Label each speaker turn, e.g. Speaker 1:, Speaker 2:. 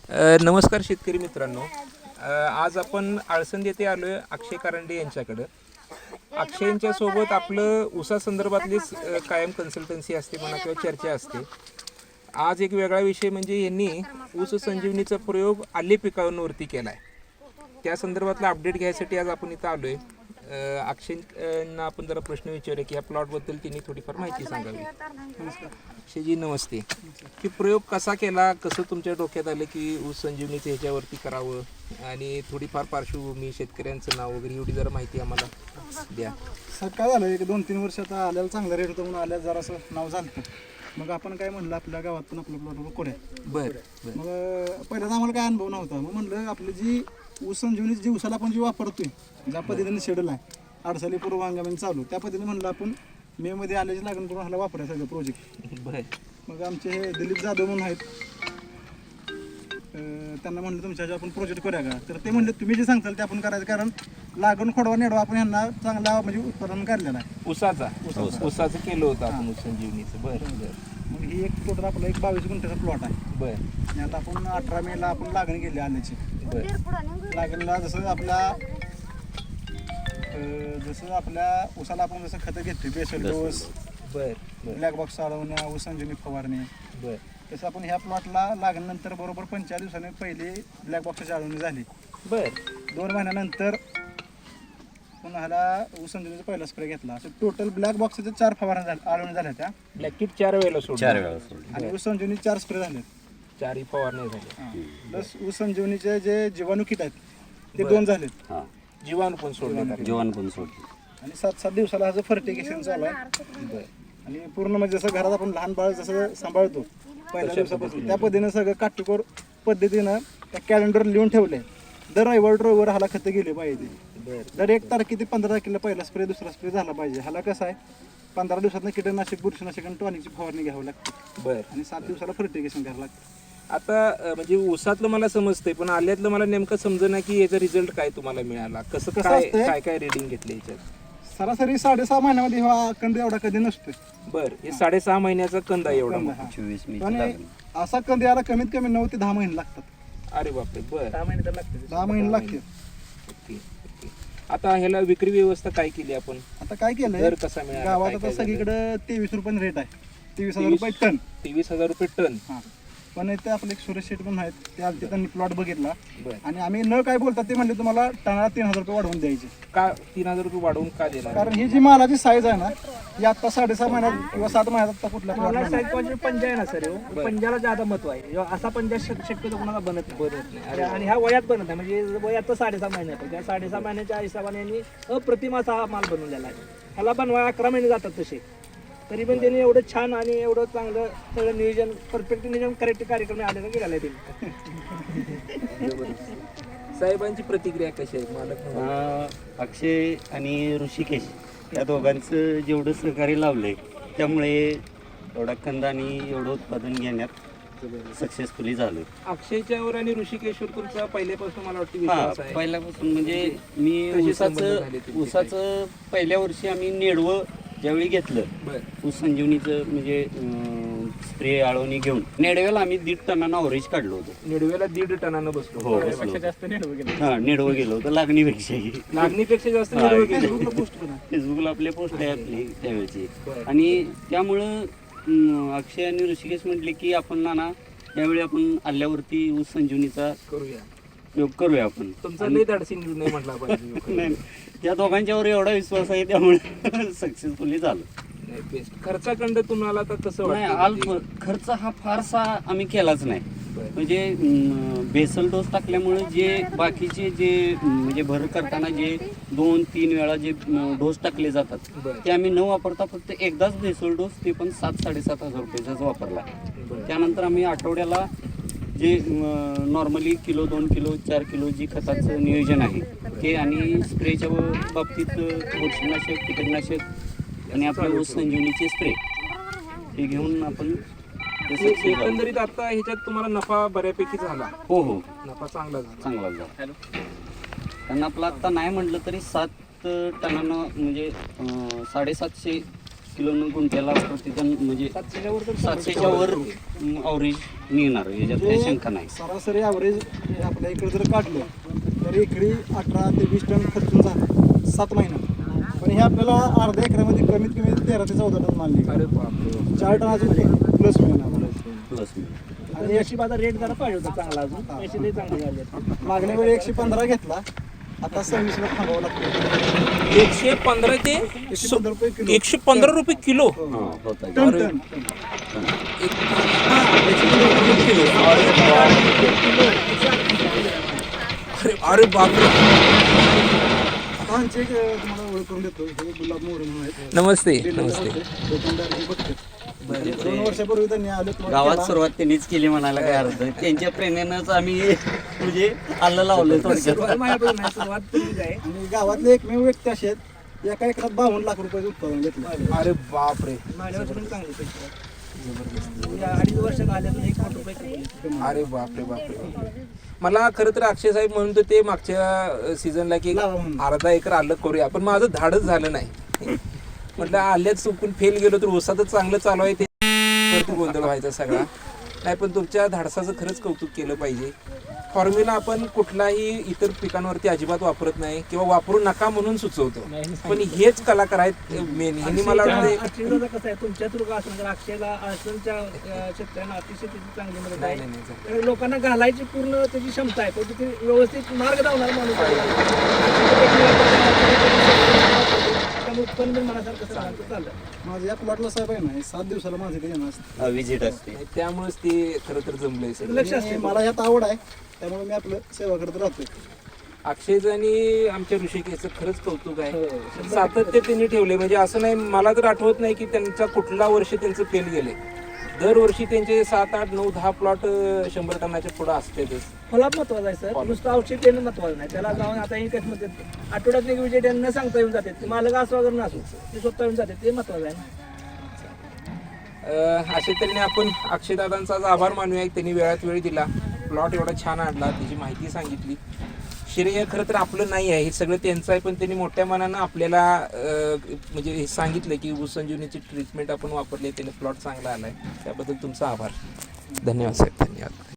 Speaker 1: नमस्कार शेतकरी मित्रांनो. आज आपण आळसंद येथे आलो आहे अक्षय कारंडे यांच्याकडं. अक्षयच्या सोबत आपलं ऊसासंदर्भातलीच कायम कन्सल्टन्सी असते म्हणा किंवा चर्चा असते. आज एक वेगळा विषय म्हणजे यांनी ऊस संजीवनीचा प्रयोग आले पिकांवरती केला आहे. त्या संदर्भातला अपडेट घ्यायसाठी आज आपण इथं आलो आहे. अक्षयना आपण जरा प्रश्न विचारूया की या प्लॉटबद्दल त्यांनी थोडीफार माहिती सांगावी. अक्षयजी नमस्ते. की प्रयोग कसा केला, कसं तुमच्या डोक्यात आलं की ऊस संजीवनीचं ह्याच्यावरती करावं आणि थोडीफार पार्श्वभूमी, शेतकऱ्यांचं नाव वगैरे एवढी जरा माहिती आम्हाला द्या.
Speaker 2: सर काय झालं, एक 2-3 वर्ष आता आल्याला चांगला रेट होता म्हणून आल्याला जरासं नाव झालं. मग आपण काय म्हणलं आपल्या गावात पण आपलं प्लॉट करूया.
Speaker 1: बरं.
Speaker 2: मग पहिल्याच आम्हाला काय अनुभव नव्हता. मग म्हणलं आपली जी ऊस संजीवनी जी ऊसाला आपण जी वापरतोय ज्या पद्धतीने शेड्यूल आहे अडसाली पूर्व हंगामाने चालू त्या पद्धतीने म्हणलं आपण मे मध्ये आल्याची लागण करून ह्याला वापरायचं सगळं प्रोजेक्ट.
Speaker 1: बरं.
Speaker 2: मग आमचे हे दिलीप जाधव म्हणून आहेत, त्यांना म्हणलं तुमच्या आपण प्रोजेक्ट करूया का. तर ते म्हणले तुम्ही जे सांगताल ते आपण करायचं, कारण लागण खोडवा नेडवा आपण यांना चांगला म्हणजे उत्पादन काढलेलं आहे.
Speaker 1: ऊसाचं केलं होतं आपण ऊस संजीवनीचं. बरं.
Speaker 2: मग ही एक टोटल आपला एक 22 गुंठ्याचा प्लॉट आहे.
Speaker 1: बरं.
Speaker 2: आणि आता आपण 18 मेला आपण लागण केली आल्याची.
Speaker 1: बरं.
Speaker 2: लागणला जसं आपल्या ऊसाला आपण जसं खतं घेतोय बेसल डोस,
Speaker 1: बरं.
Speaker 2: ब्लॅक बॉक्स चालवण्या, ऊस संजीवनी फवारणी,
Speaker 1: बरं.
Speaker 2: तसं आपण ह्या प्लॉटला लागणनंतर बरोबर 45 दिवसांनी पहिली ब्लॅक बॉक्सची चालवणी झाली.
Speaker 1: बरं.
Speaker 2: 2 महिन्यानंतर पुन्हा ह्याला ऊस संजीवनीचा पहिला स्प्रे घेतला. असं टोटल ब्लॅक बॉक्सच्या 4 फवारण्या आळवणी झाल्या त्या.
Speaker 1: ब्लॅक किट 4 वेळेला सोडलं.
Speaker 2: आणि ऊस संजीवनी 4 स्प्रे झाले.
Speaker 1: 4 फवारण्या झाल्या.
Speaker 2: प्लस ऊस संजीवनीचे जे जीवाणू किट आहेत ते 2 झालेत.
Speaker 1: जीवाणू पण सोडले.
Speaker 2: आणि 7-7 दिवसाला ह्याचं फर्टिगेशन चालू आहे. आणि पूर्ण म्हणजे जसं घरात आपण लहान बाळ जसं सांभाळतो पहिल्या दिवसापासून त्या पद्धतीनं सगळं काटेकोर पद्धतीनं त्या कॅलेंडर लिहून ठेवलंय. दर रविवार ह्याला खतं गेले पाहिजे. दर 1 तारखे ते 15 तारखेला पहिला स्प्रे दुसरा स्प्रे झाला पाहिजे. ह्याला कसं आहे 15 दिवसात कीटकनाशक, बुरशीनाशक आणि टॉनिकची फवारणी घ्यावी लागते.
Speaker 1: बरं.
Speaker 2: आणि 7 दिवसाला फर्टिगेशन करावं लागतं.
Speaker 1: आता म्हणजे ऊसातलं मला समजतंय, पण आल्यातलं मला नेमकं समजेना की याचा रिझल्ट काय तुम्हाला मिळाला, कसं
Speaker 2: असतंय?
Speaker 1: काय रिडिंग घेतलं याच्यात.
Speaker 2: सरासरी 6.5 महिन्यामध्ये हा कंद एवढा कधी नसतोय.
Speaker 1: बरं. हे 6.5 महिन्याचा कंद आहे एवढा.
Speaker 2: कंद हा. आणि असा कंद याला कमीत कमी 9 ते 10 महिने लागतात.
Speaker 1: अरे बापरे. बरं.
Speaker 2: 10 महिने लागते.
Speaker 1: ओके. आता ह्याला विक्री व्यवस्था काय केली आपण,
Speaker 2: आता काय केलंय
Speaker 1: दर कसा मिळाला,
Speaker 2: गावात आता सगळीकडे 23 रुपये रेट आहे. 23,000 रुपये टन.
Speaker 1: 23,000 रुपये टन.
Speaker 2: हा. पण इथे आपले एक सुरेश शेठ म्हणून आहेत, ते आलते, त्यांनी प्लॉट बघितला.
Speaker 1: बरं.
Speaker 2: आणि आम्ही न काय बोलतात ते म्हणले तुम्हाला टनाला 3,000 रुपये वाढवून द्यायचे.
Speaker 1: का 3,000 रुपये वाढवून का देणार.
Speaker 2: कारण ही जी मालाची साईज आहे ना ही आता 6.5 महिन्यात किंवा 7 महिन्यात आता कुठल्या
Speaker 3: मला
Speaker 2: प्लॉट
Speaker 3: साईज पंजा आहे ना सर, पंजाला ज्यादा महत्व आहे. असा पंजा शक्यतो कोणाला बनत नाही. आणि ह्या वयात बनत नाही, म्हणजे वयात तर 6.5 महिन्यात. त्या 6.5 महिन्याच्या हिशोबाने यांनी अप्रतिम असा हा माल बनवलेला आहे. ह्याला बनवायला 11 महिने जातात तसे, तरी पण त्यांनी एवढं छान आणि एवढं चांगलं सगळं नियोजन, परफेक्ट नियोजन, करेक्ट कार्यक्रम आलेला गेलेला आहे त्यांनी.
Speaker 1: साहेबांची प्रतिक्रिया कशी आहे मालक.
Speaker 4: अक्षय आणि ऋषिकेश या दोघांचं जेवढं सहकार्य लावलंय त्यामुळे एवढा कंद आणि एवढं उत्पादन घेण्यात सक्सेसफुली झालं.
Speaker 1: अक्षयच्यावर आणि ऋषिकेशवर तुमचा पहिल्यापासून मला वाटतं विश्वास आहे.
Speaker 4: पहिल्यापासून म्हणजे मी
Speaker 1: कसे संबंध झाले तुमचे
Speaker 4: ऊसाचं पहिल्या वर्षी आम्ही नेडवं ज्यावेळी घेतलं,
Speaker 1: बरं.
Speaker 4: ऊस संजीवनीचं म्हणजे स्प्रे आळवणी घेऊन नेडव्याला आम्ही 1.5 टनानं अवरेज काढलो होतो.
Speaker 1: निडव्याला 1.5 टनानं बसलो.
Speaker 4: हो, नेडवं गेलो होतं लागणीपेक्षाही.
Speaker 1: लागणीपेक्षा जास्त निडवं गेलं.
Speaker 4: फेसबुकला आपले पोस्ट आहे आपली त्यावेळेची. आणि त्यामुळं अक्षय आणि ऋषिकेश म्हटले की आपण नाना यावेळी आपण आल्यावरती ऊस संजीवनीचा उपयोग करूया आपण.
Speaker 1: तुमचा लई धाडसी निर्णय म्हटला पाहिजे.
Speaker 4: नाही, त्या दोघांच्यावर एवढा विश्वास आहे त्यामुळे सक्सेसफुली झालं.
Speaker 1: खर्चाखंड तुम्हाला आता कसं
Speaker 4: नाही,
Speaker 1: वाटतं.
Speaker 4: खर्च हा फारसा आम्ही केलाच नाही. म्हणजे बेसल डोस टाकल्यामुळे जे बाकीचे जे म्हणजे भर करताना जे 2-3 वेळा जे डोस टाकले जातात ते आम्ही न वापरता फक्त एकदाच बेसल डोस, ते पण 7-7,500 रुपयाचाच वापरला. त्यानंतर आम्ही आठवड्याला जे नॉर्मली किलो, 2 किलो, 4 किलो जी खताचं नियोजन आहे ते, आणि स्प्रेच्या बाबतीत बुरशीनाशक, कीटकनाशक आणि आपल्या ऊस संजीवनीचे स्प्रे हे घेऊन आपण
Speaker 1: एकंदरीत आता ह्याच्यात तुम्हाला नफा बऱ्यापैकी झाला.
Speaker 4: हो,
Speaker 1: नफा चांगला
Speaker 4: झाला. कारण आपलं आता नाही म्हटलं तरी 7 टनानं म्हणजे 750 किलो गुंठ्याला प्रतिटन म्हणजे
Speaker 3: 700च्या वर तर
Speaker 4: 700च्या वर अवरेज निघणार याच्यात काही शंका नाही.
Speaker 2: सरासरी ॲव्हरेज आपल्या इकडे जर काढलं तर एकरी 18 ते 20 टन खर्चून झालं 7 महिन्यात. पण हे आपल्याला अर्ध्या एकरामध्ये कमीत कमी 13 ते 14 टन माल निघाला.
Speaker 1: अरे बापरे.
Speaker 2: 4 टनाचं प्लस मिळणार आम्हाला.
Speaker 4: प्लस
Speaker 3: आणि याची बाजार रेट जरा पाहिजे होता चांगला अजून पैसे लई चांगले झाले आहेत.
Speaker 2: मागण्या वेळी 115 घेतला, आता 26ला थांबावं लागतं.
Speaker 1: 115 ते
Speaker 2: 115 रुपये किलो.
Speaker 1: 115 रुपये किलो.
Speaker 4: होता
Speaker 2: टन टन टन.
Speaker 1: अरे अरे बापरे.
Speaker 2: आता आमचे एक तुम्हाला ओळख करून देतो. हे गुलाब मोरे म्हणून आहेत.
Speaker 1: नमस्ते नमस्ते.
Speaker 2: दुकानदार हे बघतात. 2 वर्षापूर्वी त्यांनी आले
Speaker 4: गावात सुरुवात त्यांनीच केली म्हणायला काय अर्थ नाही. त्यांच्या प्रेरणेनंच आम्ही म्हणजे आलं लावलं थोडक्यात.
Speaker 3: सुरुवात माझ्यापासून नाही, सुरुवात तुमचीच आहे.
Speaker 2: आणि गावातले एकमेव व्यक्ती असे आहेत एका एकरात 52 लाख रुपयाचं उत्पादन घेतलं.
Speaker 1: अरे बापरे.
Speaker 3: माझ्यापासून पण चांगले पैसे आहेत. म्हणजे 2.5 वर्षात आल्यातून 1 कोटी रुपये कमवले.
Speaker 1: अरे बापरे बापरे. मला खरं तर अक्षय साहेब म्हणून तर ते मागच्या सीझनला की
Speaker 2: लावा म्हणून.
Speaker 1: अर्धा एकर आलं करूया, पण माझं धाडच झालं नाही. म्हटलं आल्यात चुकून फेल गेलो तर ऊसातच चांगलं चालू आहे ते तर गोंधळ व्हायचा सगळा. नाही पण तुमच्या धाडसाचं खरंच कौतुक केलं पाहिजे. फॉर्म्युला आपण कुठलाही इतर पिकांवरती अजिबात वापरत नाही किंवा वापरू नका म्हणून सुचवतो, पण हेच कलाकार आहेत मेन. ह्यांनी मला वाटतं
Speaker 3: अक्षयचं कसं आहे तुमच्या थ्रू का असं अक्षयला अडचणच्या शेतकऱ्यांना अतिशय त्याची चांगली मदत
Speaker 1: नाही
Speaker 3: आहे.
Speaker 1: नाही नाही.
Speaker 3: तर लोकांना घालायची पूर्ण त्याची क्षमता आहे, पण तिथे व्यवस्थित मार्ग दावणारा माणूस आहे. त्यामुळे उत्पन्न पण मनासारखं चाललं.
Speaker 2: माझं या प्लॉटला साहेब आहे ना 7 दिवसाला माझे ते येणार असतं.
Speaker 4: विजिट असते.
Speaker 1: नाही, त्यामुळेच ते खरं तर जमलंय सगळं.
Speaker 3: लक्ष असते.
Speaker 2: आणि मला ह्यात आवड आहे त्यामुळे मी आपलं सेवा करत राहतो.
Speaker 1: अक्षयचं आणि आमच्या ऋषिकेशचं खरंच कौतुक आहे. सातत्य त्यांनी ठेवले. म्हणजे असं नाही, मला तर आठवत नाही की त्यांचा कुठला वर्ष त्यांचं फेल गेले. दरवर्षी त्यांचे 7, 8, 9, 10 प्लॉट 100 टनाच्या पुढे असतेच.
Speaker 3: फॉलोअप महत्वाचं आहे सर. नुसतं औषध देणं महत्वाचं नाही. त्याला जाऊन आता हे कसं म्हणतात आठवड्यात एक विजय न सांगता येऊन जाते. ते मालक असं वगैरे नसो ते स्वतः येऊन जाते, ते महत्वाचं आहे ना.
Speaker 1: अशा तऱ्हेने आपण अक्षयदादांचा आज आभार मानूया. त्यांनी वेळात वेळ दिला, प्लॉट एवढा छान आणला, त्याची माहिती सांगितली. श्रेय खरं तर आपलं नाही आहे, हे सगळं त्यांचं आहे, पण त्यांनी मोठ्या मनानं आपल्याला म्हणजे हे सांगितलं की ऊस संजीवनीची ट्रीटमेंट आपण वापरली, त्याने प्लॉट चांगला आलाय. त्याबद्दल तुमचा आभार. धन्यवाद साहेब. धन्यवाद.